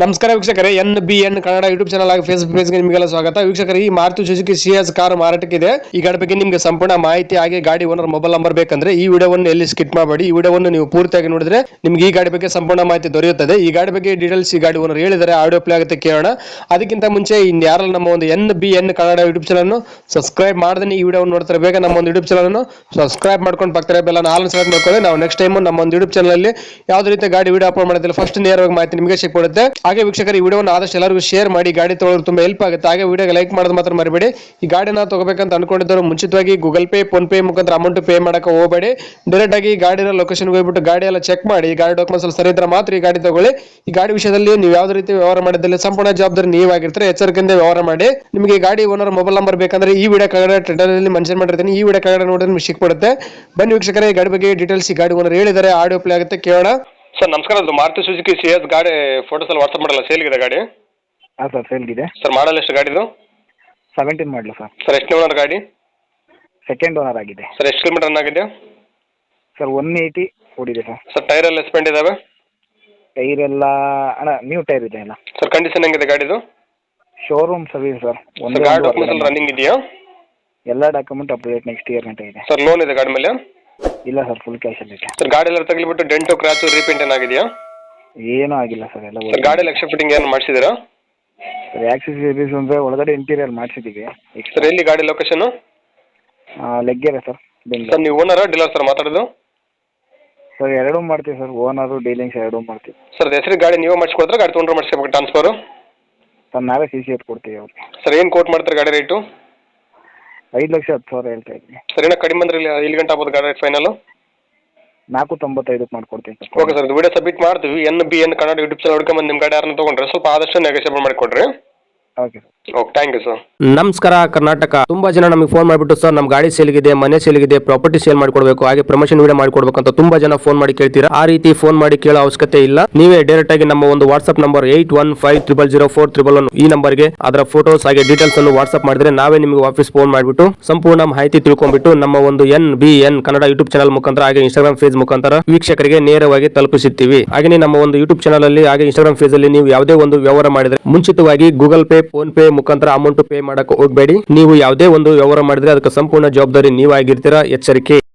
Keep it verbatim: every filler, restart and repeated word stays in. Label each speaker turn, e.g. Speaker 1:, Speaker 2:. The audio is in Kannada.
Speaker 1: ನಮಸ್ಕಾರ ವೀಕ್ಷಕರೇ, N B N Kannada YouTube channel ಆಗಿ ಫೇಸ್ಬುಕ್ ಪೇಜ್ಗೆ ನಿಮಗೆಲ್ಲ ಸ್ವಾಗತ. ವೀಕ್ಷಕರೇ, ಈ ಮಾರುತಿ ಸುಜುಕಿ ಸಿಯಾಜ್ ಕಾರ್ ಮಾರಾಟಕ್ಕಿದೆ. ಈ ಗಾಡಿ ಬಗ್ಗೆ ನಿಮಗೆ ಸಂಪೂರ್ಣ ಮಾಹಿತಿ ಹಾಗೆ ಗಾಡಿ ಓನರ್ ಮೊಬೈಲ್ ನಂಬರ್ ಬೇಕಂದ್ರೆ ಈ ವಿಡಿಯೋವನ್ನು ಎಲ್ಲಿ ಸ್ಕಿಪ್ ಮಾಡಬೇಡಿ. ಈ ವಿಡಿಯೋವನ್ನು ನೀವು ಪೂರ್ತಿಯಾಗಿ ನೋಡಿದ್ರೆ ನಿಮಗೆ ಈ ಗಾಡಿ ಬಗ್ಗೆ ಸಂಪೂರ್ಣ ಮಾಹಿತಿ ದೊರೆಯುತ್ತದೆ. ಈ ಗಾಡಿ ಬಗ್ಗೆ ಡೀಟೇಲ್ಸ್ ಈ ಗಾಡಿ ಓನರ್ ಹೇಳಿದರೆ ಆಡಿಯೋ ಪ್ಲೇ ಆಗುತ್ತೆ, ಕೇಳೋಣ. ಅದಕ್ಕಿಂತ ಮುಂಚೆ ಇನ್ನು ಯಾರಲ್ಲ ನಮ್ಮ ಒಂದು N B N Kannada YouTube channel subscribe ಮಾಡದೆ ಈ ವಿಡಿಯೋ ನೋಡ್ತಾರೆ, ಬೇಗ ನಮ್ಮ ಒಂದು ಯೂಟ್ಯೂಬ್ ಚಾನಲ್ ಸಬ್ಸ್ಕ್ರೈಬ್ ಮಾಡ್ಕೊಂಡು ಪಕ್ಕದ ಬೆಲ್ಲ ಆಲ್ ಸೆಲೆಕ್ಟ್ ಮಾಡ್ಕೊಳ್ಳಿ. ನಾವು ನೆಕ್ಸ್ಟ್ ಟೈಮ್ ನಮ್ಮ ಒಂದು ಯೂಟ್ಯೂಬ್ ಚಾನಲ್ ಅಲ್ಲಿ ಯಾವುದೇ ರೀತಿ ಗಾಡಿ ವಿಡಿಯೋ ಅಪ್ಲೋಡ್ ಮಾಡೋದಿಲ್ಲ, ಫಸ್ಟ್ ನೇರವಾಗಿ ಮಾಹಿತಿ ನಿಮಗೆ ಸಿಕ್ಬಿಡುತ್ತೆ. ಹಾಗೆ ವೀಕ್ಷಕರು, ಈ ವಿಡಿಯೋ ಆದಷ್ಟು ಎಲ್ಲರಿಗೂ ಶೇರ್ ಮಾಡಿ, ಗಾಡಿ ತೊಗೊಳ್ಳೋರು ತುಂಬಾ ಹೆಲ್ಪ್ ಆಗುತ್ತೆ. ಹಾಗೆ ವಿಡಿಯೋಗೆ ಲೈಕ್ ಮಾಡೋದು ಮಾತ್ರ ಮರಿಬೇಡಿ. ಈ ಗಾಡಿನ ತಗೋಬೇಕಂತ ಅನ್ಕೊಂಡಿದ್ದವರು ಮುಂಚಿತವಾಗಿ ಗೂಗಲ್ ಪೇ, ಫೋನ್ ಪೇ ಮುಖಾಂತರ ಅಮೌಂಟ್ ಪೇ ಮಾಡಕ್ಕೆ ಹೋಗಬೇಡಿ. ಡೈರೆಕ್ಟ್ ಆಗಿ ಗಾಡಿನ ಲೊಕೇಶನ್ಗೆ ಹೋಗ್ಬಿಟ್ಟು ಗಾಡಿ ಎಲ್ಲ ಚೆಕ್ ಮಾಡಿ, ಗಾಡಿ ಡಾಕ್ಯುಮೆಂಟ್ಸ್ ಸರಿ ಇದ್ರೆ ಮಾತ್ರ ಈ ಗಾಡಿ ತಗೊಳ್ಳಿ. ಈ ಗಾಡಿ ವಿಷಯದಲ್ಲಿ ನೀವು ಯಾವುದೇ ರೀತಿ ವ್ಯವಹಾರ ಮಾಡಿದಲ್ಲಿ ಸಂಪೂರ್ಣ ಜವಾಬ್ದಾರಿ ನೀವಾಗಿರ್ತಾರೆ, ಎಚ್ಚರಿಕೆಯಿಂದ ವ್ಯವಹಾರ ಮಾಡಿ. ನಿಮಗೆ ಗಾಡಿ ಓನರ್ ಮೊಬೈಲ್ ನಂಬರ್ ಬೇಕಂದ್ರೆ ಈ ವಿಡಿಯೋ ಕೆಳಗಡೆ ಟೈಟಲ್ ಮೆನ್ಷನ್ ಮಾಡಿರ್ತೀನಿ, ಈ ವಿಡಿಯೋ ಕೆಳಗಡೆ ನೋಡಿದ್ರೆ ನಿಮಗೆ ಸಿಕ್ಬಿಡುತ್ತೆ. ಬನ್ನಿ ವೀಕ್ಷಕರೇ, ಈ ಗಾಡಿ ಬಗ್ಗೆ ಡೀಟೇಲ್ಸ್ ಈ ಗಾಡಿ ಓನರ್ ಹೇಳಿದರೆ ಆಡಿಯೋ ಪ್ಲೇ ಆಗುತ್ತೆ, ಕೇಳೋಣ. ಸರ್ ನಮಸ್ಕಾರ, ಅದು ಮಾರುತಿ ಸುಜುಕಿ ಸಿಯಾಜ್ ಗಾಡಿ ಫೋಟೋಸ್ ಎಲ್ಲ ವಾಟ್ಸ್ಆಪ್ ಮಾಡಲ್ಲ, ಸೇಲ್ಗಿದೆ ಗಾಡಿ?
Speaker 2: ಹಾಂ ಸರ್, ಸೇಲ್ಗಿದೆ.
Speaker 1: ಸರ್ ಮಾಡಲ್ ಎಷ್ಟು ಗಾಡಿದು?
Speaker 2: Seventeen model sir.
Speaker 1: ಸರ್ ಎಷ್ಟು ಓನರ್ ಗಾಡಿ?
Speaker 2: ಸೆಕೆಂಡ್ ಓನರ್ ಆಗಿದೆ.
Speaker 1: ಸರ್ ಎಷ್ಟು ಕಿಲೋಮೀಟರ್ ರನ್ ಆಗಿದೆ?
Speaker 2: ಸರ್ ಒನ್ ಏಯ್ಟಿ ಓಡಿದೆ ಸರ್.
Speaker 1: ಸರ್ ಟೈರ್ ಎಲ್ಲ ಸ್ಪೆಂಡ್ ಇದಾವೆ?
Speaker 2: ಟೈರ್ ಎಲ್ಲ ಅಣ್ಣ ನ್ಯೂ ಟೈರ್ ಇದೆ ಅಲ್ಲ.
Speaker 1: ಸರ್ ಕಂಡೀಷನ್ ಹೆಂಗಿದೆ ಗಾಡಿದು?
Speaker 2: Showroom service sir.
Speaker 1: ಒಂದು ಗಾಡಿ ಡಾಕ್ಯುಮೆಂಟ್ಸ್ ಎಲ್ಲ ರನ್ನಿಂಗ್ ಇದೆಯಾ?
Speaker 2: ಎಲ್ಲ ಡಾಕ್ಯುಮೆಂಟ್ ಅಪ್ಡೇಟ್ ನೆಕ್ಸ್ಟ್ ಇಯರ್ ಗಂಟೆ ಇದೆ.
Speaker 1: ಸರ್ ಲೋನ್ ಇದೆ ಗಾಡಿ ಮೇಲೆ?
Speaker 2: ಇಲ್ಲ ಸರ್, ಫುಲ್ ಕ್ಯಾಶಲ್ಲಿ ಇದೆ.
Speaker 1: ಸರ್ ಗಾಡಿ ಎಲ್ಲ ತಗಲಿಬಿಟ್ಟು ಡೆಂಟು ಕ್ರಾಚು ರೀಪೇಂಟ್ ಏನಾಗಿದೆಯಾ?
Speaker 2: ಏನೂ ಆಗಿಲ್ಲ ಸರ್, ಎಲ್ಲ.
Speaker 1: ಸರ್ ಗಾಡಿ ಎಕ್ಸ್ಟ್ರಾ ಫಿಟ್ಟಿಂಗ್ ಏನು ಮಾಡಿಸಿದ್ದೀರಾ?
Speaker 2: ಸರ್ ಆಕ್ಸೆಸರೀಸ್ ಅಂದರೆ ಒಳಗಡೆ ಇಂಟೀರಿಯರ್ ಮಾಡಿಸಿದ್ದೀವಿ.
Speaker 1: ಸರ್ ಎಲ್ಲಿ ಗಾಡಿ location?
Speaker 2: Laggere sir, Bengaluru.
Speaker 1: Sir ನೀವು ಓನರಾ ಡೀಲರ್ ಸರ್ ಮಾತಾಡೋದು?
Speaker 2: ಸರ್ ಎರಡೂ ಮಾಡ್ತೀವಿ ಸರ್, ಓನರು ಡೀಲಿಂಗ್ಸ್ ಎರಡೂ ಮಾಡ್ತೀವಿ.
Speaker 1: ಸರ್ ಹೆಸರು ಗಾಡಿ ನೀವು ಮಾಡಿಸ್ಕೊಡ್ತಾರೆ, ಗಾಡಿ ತೊಗೊಂಡ್ರೆ ಮಾಡಿಸ್ಬೇಕು ಟ್ರಾನ್ಸ್ಫರು?
Speaker 2: ಸರ್ ನಾವೇ ಸಿ ಸಿ ಎತ್ ಕೊಡ್ತೀವಿ ಅವ್ರಿಗೆ.
Speaker 1: ಸರ್ ಏನು ಕೋಟ್ ಮಾಡ್ತಾರೆ ಗಾಡಿ ರೇಟು?
Speaker 2: ಐದು ಲಕ್ಷ ಹತ್ತು ಸಾವಿರ ಹೇಳ್ತಾ ಇದ್ದೀನಿ.
Speaker 1: ಸರ್ ಏನೋ ಕಡಿಮೆ ಬಂದ್ರೆ ಇಲ್ಲಿ ಇಲ್ಲಿ ಗಂಟೆ ಆಗ್ಬೋದು ಗಾಡಿ ರೇಟ್ ಫೈನಲ್?
Speaker 2: ನಾಲ್ಕು ತೊಂಬತ್ತೈದಕ್ಕೆ ಮಾಡ್ಕೊಡ್ತೀನಿ sir.
Speaker 1: Okay sir, video submit ಮಾಡ್ತೀವಿ. N B N Kannada YouTube channel ಹುಡ್ಕೊಂಬಂದು ನಿಮ್ಮ ಗಾಡಿ ಯಾರನ್ನ ತೊಗೊಂಡ್ರೆ ಸ್ವಲ್ಪ ಆದಷ್ಟು ನೆಗೋಷಿಯೇಬಲ್ ಮಾಡಿಕೊಡ್ರಿ.
Speaker 2: Okay sir.
Speaker 1: Okay, thank you sir.
Speaker 3: ನಮಸ್ಕಾರ ಕರ್ನಾಟಕ. ತುಂಬಾ ಜನ ನಮಗೆ ಫೋನ್ ಮಾಡಿಬಿಟ್ಟು ಸರ್ ನಮ್ಮ ಗಾಡಿ ಸೇಲ್ಗಿದೆ, ಮನೆ ಸೇಲ್ಗಿದೆ, ಪ್ರಾಪರ್ಟಿ ಸೇಲ್ ಮಾಡಿಕೊಡ್ಬೇಕು, ಹಾಗೆ ಪ್ರಮೋಷನ್ ವಿಡಿಯೋ ಮಾಡಿಕೊಡ್ಬೇಕು ಅಂತ ತುಂಬಾ ಜನ ಫೋನ್ ಮಾಡಿ ಕೇಳ್ತೀರಾ. ಆ ರೀತಿ ಫೋನ್ ಮಾಡಿ ಕೇಳೋ ಅವಶ್ಯಕತೆ ಇಲ್ಲ. ನೀವೇ ಡೈರೆಕ್ಟ್ ಆಗಿ ನಮ್ಮ ಒಂದು WhatsApp number eight one five triple zero four triple one ಈ ನಂಬರ್ಗೆ ಅದರ ಫೋಟೋಸ್ ಹಾಗೆ ಡೀಟೇಲ್ಸ್ ಅನ್ನು ವಾಟ್ಸ್ಆಪ್ ಮಾಡಿದ್ರೆ ನಾವೇ ನಿಮಗೆ ವಾಪಸ್ ಫೋನ್ ಮಾಡಿಬಿಟ್ಟು ಸಂಪೂರ್ಣ ಮಾಹಿತಿ ತಿಳ್ಕೊಂಡ್ಬಿಟ್ಟು ನಮ್ಮ ಒಂದು N B N Kannada YouTube channel ಮುಖಾಂತರ ಹಾಗೆ ಇನ್ಸ್ಟಾಗ್ರಾಮ್ ಪೇಜ್ ಮುಖಾಂತರ ವೀಕ್ಷಕರಿಗೆ ನೇರವಾಗಿ ತಲುಪಿಸುತ್ತೀವಿ. ಹಾಗೆ ನಮ್ಮ ಒಂದು ಯೂಟ್ಯೂಬ್ ಚಾನಲ್ ಅಲ್ಲಿ ಹಾಗೆ ಇನ್ಸ್ಟಾಗ್ರಾಮ್ ಪೇಜ್ ಅಲ್ಲಿ ನೀವು ಯಾವುದೇ ಒಂದು ವ್ಯವಹಾರ ಮಾಡಿದ್ರೆ ಮುಂಚಿತವಾಗಿ ಗೂಗಲ್ ಪೇ, ಫೋನ್ ಪೇ ಮುಖಾಂತರ ಅಮೌಂಟ್ ಪೇ ಮಾಡಕ್ಕೆ ಹೋಗಬೇಡಿ. ನೀವು ಯಾವುದೇ ಒಂದು ವ್ಯವಹಾರ ಮಾಡಿದ್ರೆ ಅದಕ್ಕೆ ಸಂಪೂರ್ಣ ಜವಾಬ್ದಾರಿ ನೀವಾಗಿರ್ತೀರಾ, ಎಚ್ಚರಿಕೆ.